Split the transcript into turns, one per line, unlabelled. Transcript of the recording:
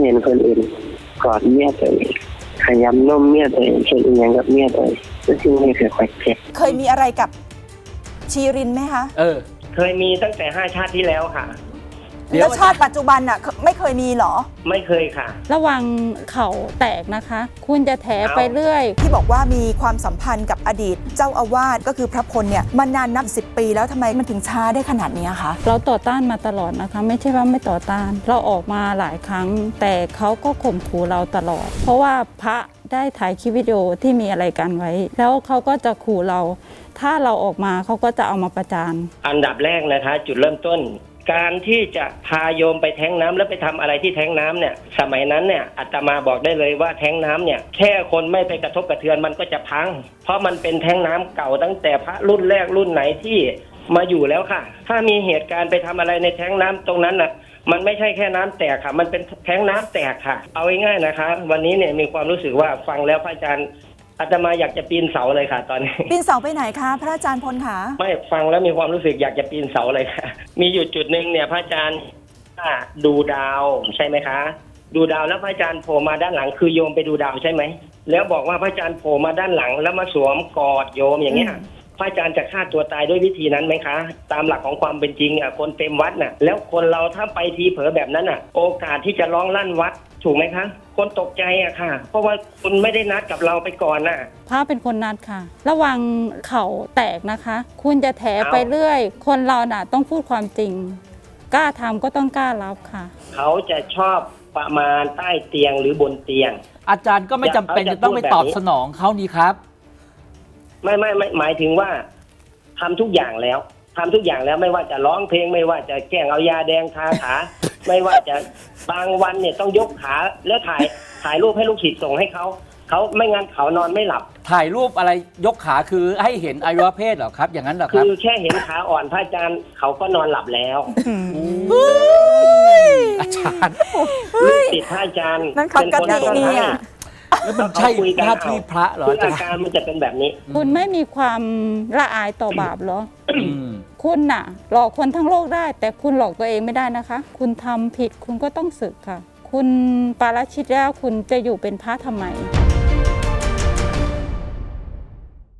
เห็นคนอื่นกอดเมียตัวเองขยำนมเมียตัวเองเช่นอย่างกับเมียตัวเองแล้วซึ่งไม่เคยค่อยเจ็บ
เคยมีอะไรกับชีรินไหมคะ
เคยมีตั้งแต่5 ชาติที่แล้วค่ะ
แล้วชาติปัจจุบันอ่ะไม่เคยมีหรอ
ไม่เคยค่ะ
ระวังเข่าแตกนะคะ คุณจะแถไปเรื่อย
ที่บอกว่ามีความสัมพันธ์กับอดีตเจ้าอาวาสก็คือพระพลเนี่ยมานานนับ10 ปีแล้วทำไมมันถึงช้าได้ขนาดนี้คะ
เราต่อต้านมาตลอดนะคะไม่ใช่ว่าไม่ต่อต้านเราออกมาหลายครั้งแต่เขาก็ข่มขู่เราตลอดเพราะว่าพระได้ถ่ายคลิปวิดีโอที่มีอะไรกันไว้แล้วเขาก็จะขู่เราถ้าเราออกมาเขาก็จะเอามาประจาน
อันดับแรกนะคะจุดเริ่มต้นการที่จะพาโยมไปแท้งน้ำแล้วไปทำอะไรที่แท้งน้ำเนี่ยสมัยนั้นเนี่ยอาตมาบอกได้เลยว่าแท้งน้ำเนี่ยแค่คนไม่ไปกระทบกระเทือนมันก็จะพังเพราะมันเป็นแท้งน้ำเก่าตั้งแต่พระรุ่นแรกรุ่นไหนที่มาอยู่แล้วค่ะถ้ามีเหตุการณ์ไปทำอะไรในแท้งน้ำตรงนั้นน่ะมันไม่ใช่แค่น้ำแตกค่ะมันเป็นแท้งน้ำแตกค่ะเอาง่ายๆนะคะวันนี้เนี่ยมีความรู้สึกว่าฟังแล้วพระอาจารย์อาตมาอยากจะปีนเสาเลยค่ะตอนนี้
ปีนเสาไปไหนคะพระอาจารย์พลคะ
ไม่ฟังแล้วมีความรู้สึกอยากจะปีนเสาเลยค่ะมีอยู่จุดหนึ่งเนี่ยพระอาจารย์ดูดาวใช่ไหมคะดูดาวแล้วพระอาจารย์โผล่มาด้านหลังคือโยมไปดูดาวใช่ไหมแล้วบอกว่าพระอาจารย์โผล่มาด้านหลังแล้วมาสวมกอดโยมอย่างเงี้ยพระอาจารย์จะฆ่าตัวตายด้วยวิธีนั้นไหมคะตามหลักของความเป็นจริงคนเต็มวัดน่ะแล้วคนเราถ้าไปทีเผลอแบบนั้นโอกาสที่จะร้องลั่นวัดถูกไหมคะคนตกใจค่ะเพราะว่าคุณไม่ได้นัดกับเราไปก่อน
พระเป็นคนนัดค่ะระวังเข่าแตกนะคะคุณจะแถไปเรื่อยคนเราต้องพูดความจริงกล้าทำก็ต้องกล้ารับค่ะ
เขาจะชอบประมาณใต้เตียงหรือบนเตียง
อาจารย์ก็ไม่จำเป็นจะต้องไปตอบสนองเขานี่ครับ
ไม่หมายถึงว่าทำทุกอย่างแล้วไม่ว่าจะร้องเพลงไม่ว่าจะแกล้งเอายาแดงทาขา ไม่ว่าจะบางวันเนี่ยต้องยกขาแล้วถ่ายรูปให้ลูกศิษย์ส่งให้เขาไม่งั้นเขานอนไม่หลับ
ถ่ายรูปอะไรยกขาคือให้เห็นอวัยวะเพศเหรอครับอย่างนั้นเหรอครับ
คือแค่เห็นขาอ่อนพระอาจารย์เขาก็นอนหลับแล้ว
อาจารย์
ลูกศิษย์พระอาจารย์
นั่นเขากติเนี่ย
แล้วมันใช่หน้าที่พระเหรอ
อาการมันจะเป็นแบบนี้
คุณไม่มีความละอายต่อบาปเหรอคุณหลอกคนทั้งโลกได้แต่คุณหลอกตัวเองไม่ได้นะคะคุณทำผิดคุณก็ต้องสึกค่ะคุณปาราชิกแล้วคุณจะอยู่เป็นพระทำไม